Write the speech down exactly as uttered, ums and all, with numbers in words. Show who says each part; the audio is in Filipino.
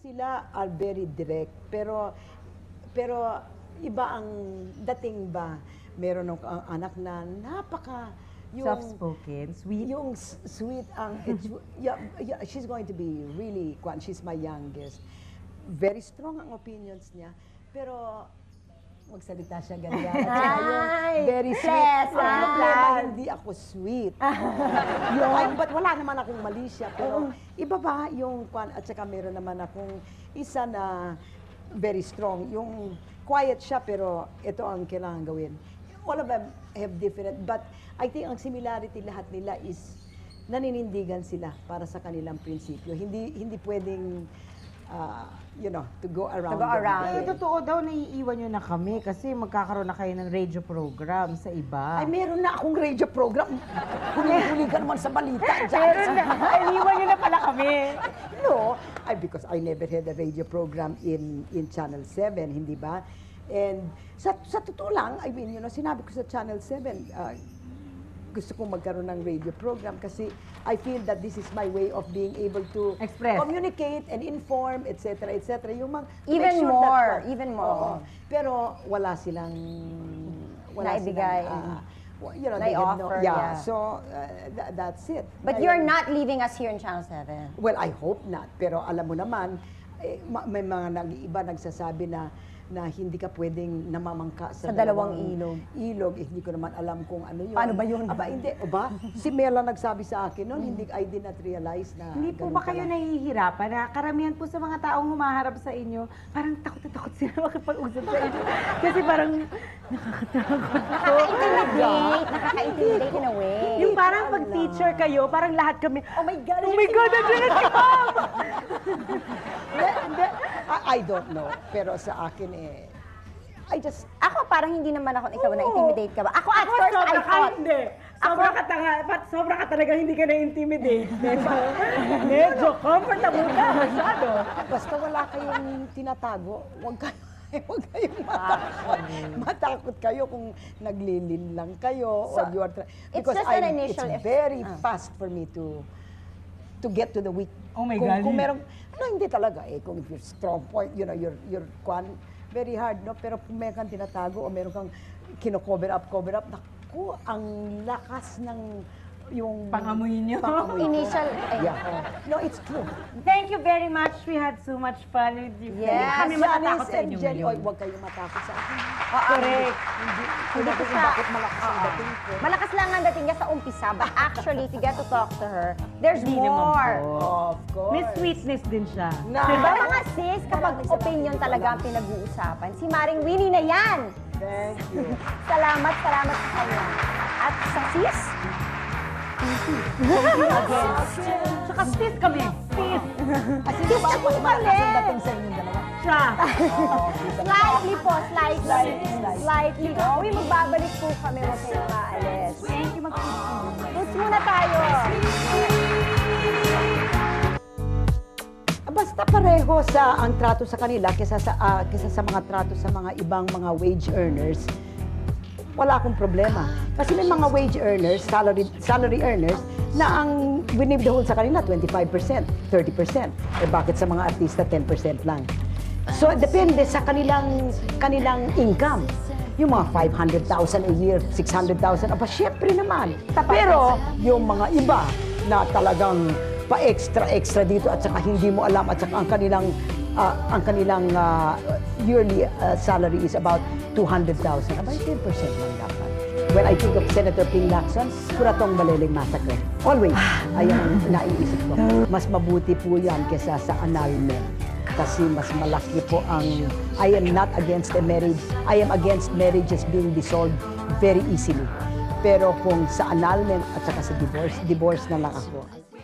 Speaker 1: Sila are very direct, pero pero iba ang dating ba. Meron ng ang anak na napaka yung
Speaker 2: Soft-spoken, sweet.
Speaker 1: yung s- sweet ang it's, yeah, yeah, she's going to be really kwan, she's my youngest. Very strong ang opinions niya, pero magsalita siya ganyan. At saka yung
Speaker 3: Ay,
Speaker 1: very sweet.
Speaker 3: pleasant.
Speaker 1: Ang problema, hindi ako sweet. yung, ay, but wala naman akong mali siya, pero iba ba yung kwan, at saka meron naman akong isa na very strong. Yung quiet siya, pero ito ang kailangan gawin. All of them have different, but I think ang similarity lahat nila is naninindigan sila para sa kanilang prinsipyo. Hindi hindi pwedeng, uh, you know, to go around.
Speaker 3: To go
Speaker 1: them.
Speaker 3: around.
Speaker 2: Eh, totoo daw, naiiwan nyo na kami kasi magkakaroon na kayo ng radio program sa iba.
Speaker 1: Ay, meron na akong radio program. Huli-huli ka naman sa balita.
Speaker 2: Meron na. Iniwan nyo na pala kami.
Speaker 1: No, I, because I never had a radio program in in Channel seven, hindi ba? And sa, sa totoo lang, I mean, you know, sinabi ko sa Channel seven, uh, gusto kong magkaroon ng radio program kasi I feel that this is my way of being able to
Speaker 2: Express.
Speaker 1: communicate and inform, et cetera, et cetera. Yung mga, to
Speaker 3: Even
Speaker 1: make sure
Speaker 3: more,
Speaker 1: that,
Speaker 3: even more.
Speaker 1: Oo. Pero wala silang, wala
Speaker 3: Naibigay.
Speaker 1: silang, uh, well, you know,
Speaker 3: Nai
Speaker 1: they have no,
Speaker 3: offer,
Speaker 1: yeah.
Speaker 3: yeah.
Speaker 1: So, uh, tha- that's it.
Speaker 3: But
Speaker 1: Ngayon-
Speaker 3: you're not leaving us here in Channel seven.
Speaker 1: Well, I hope not. Pero alam mo naman, eh, ma- may mga nag iba nagsasabi na na hindi ka pwedeng namamangka sa,
Speaker 3: Sa dalawang ilog.
Speaker 1: Ilog, eh, hindi ko naman alam kung ano yun.
Speaker 3: Paano ba yun?
Speaker 1: Aba, hindi. O ba? Si Mela nagsabi sa akin noon, hindi, I did not realize na
Speaker 2: Hindi po
Speaker 1: ganun
Speaker 2: ba kayo
Speaker 1: pala.
Speaker 2: nahihirapan na karamihan po sa mga taong humaharap sa inyo, parang takot na takot sila makipag-usap sa inyo. Kasi parang
Speaker 3: Nakaka-intimidate, nakaka-intimidate in a way.
Speaker 2: yung parang pag teacher kayo, parang lahat kami,
Speaker 3: Oh my God,
Speaker 2: oh my God, nandiyan na si Ma'am!
Speaker 1: Hindi, hindi. I, I don't know. Pero sa akin eh, I just,
Speaker 3: Ako parang hindi naman ako, ikaw na-intimidate ka ba? Ako at
Speaker 2: Ako,
Speaker 3: first I
Speaker 2: sobra ka
Speaker 3: thought,
Speaker 2: hindi. Sobra ka tanga, pat sobra ka talaga hindi ka na-intimidate. Diba? Medyo comfortable ka masyado.
Speaker 1: basta wala kayong tinatago, huwag kayo, huwag kayong matakot. Matakot kayo kung naglilin lang kayo
Speaker 3: So,
Speaker 1: or you are try-
Speaker 3: it's
Speaker 1: because
Speaker 3: just an
Speaker 1: I'm-
Speaker 3: initial
Speaker 1: it's
Speaker 3: eff-
Speaker 1: very
Speaker 3: ah.
Speaker 1: fast for me to to get to the weak.
Speaker 2: Oh my
Speaker 1: kung,
Speaker 2: God.
Speaker 1: Kung merong, ano hindi talaga eh, kung if you're strong point, you know, you're, you're, kwan, very hard, no? Pero kung meron kang tinatago o meron kang kino-cover up, cover up, naku, ang lakas ng yung
Speaker 2: Pangamoy niyo.
Speaker 1: pangamoy ko.
Speaker 3: Initial, ay,
Speaker 1: Yeah. oh. No, it's true.
Speaker 2: Thank you very much. We had so much fun with you.
Speaker 3: Yes.
Speaker 2: Kami matatakot
Speaker 1: Janice
Speaker 2: sa
Speaker 1: and
Speaker 2: inyo
Speaker 1: Jenny,
Speaker 2: ngayon.
Speaker 1: oy, huwag kayong matakot sa akin.
Speaker 2: Correct.
Speaker 1: Hindi,
Speaker 3: Hindi
Speaker 1: hindi
Speaker 3: ko
Speaker 1: ko
Speaker 3: siya-
Speaker 1: bakit malakas ang
Speaker 3: Oo.
Speaker 1: dating ko.
Speaker 3: Malakas lang ang dating niya sa umpisa, but actually, if you get to talk to her, there's
Speaker 2: Hindi naman
Speaker 3: more.
Speaker 2: po.
Speaker 1: Of course.
Speaker 2: May sweetness din siya.
Speaker 1: Na,
Speaker 3: Diba mga sis, kapag opinion talaga ang pinag-uusapan, si Maring Winnie na yan.
Speaker 1: Thank you.
Speaker 3: Salamat, salamat sa kanya. At sa sis,
Speaker 2: Saka sis kami. Sis.
Speaker 1: Kasi di ba, mas malakas ang dating sa inyong dalawa.
Speaker 2: Siya.
Speaker 3: slightly po, slightly.
Speaker 1: Slightly, slightly.
Speaker 3: Slightly. Oh, uy, magbabalik po kami, huwag kayong maalis.
Speaker 2: Thank you, mag-sis.
Speaker 3: Roots muna tayo.
Speaker 1: Basta pareho sa ang trato sa kanila kaysa sa, ah, kaysa sa mga trato sa mga ibang mga wage earners, wala akong problema. Kasi may mga wage earners, salary, salary earners, na ang winibdahol sa kanila twenty-five percent, thirty percent. Eh bakit sa mga artista ten percent lang? So depende sa kanilang kanilang income. Yung mga five hundred thousand a year, six hundred thousand, aba syempre naman. Pero yung mga iba na talagang pa-extra-extra dito at saka hindi mo alam at saka ang kanilang ah, ang kanilang ah, yearly ah, salary is about two hundred thousand. Aba, ten percent lang dapat. When I think of Senator Ping Lacson, Kuratong Baleleng Massacre. Always, ayan ang naiisip ko. Mas mabuti po yan kesa sa annulment. Kasi mas malaki po ang, I am not against a marriage. I am against marriages being dissolved very easily. Pero kung sa annulment at saka sa divorce, divorce na lang ako.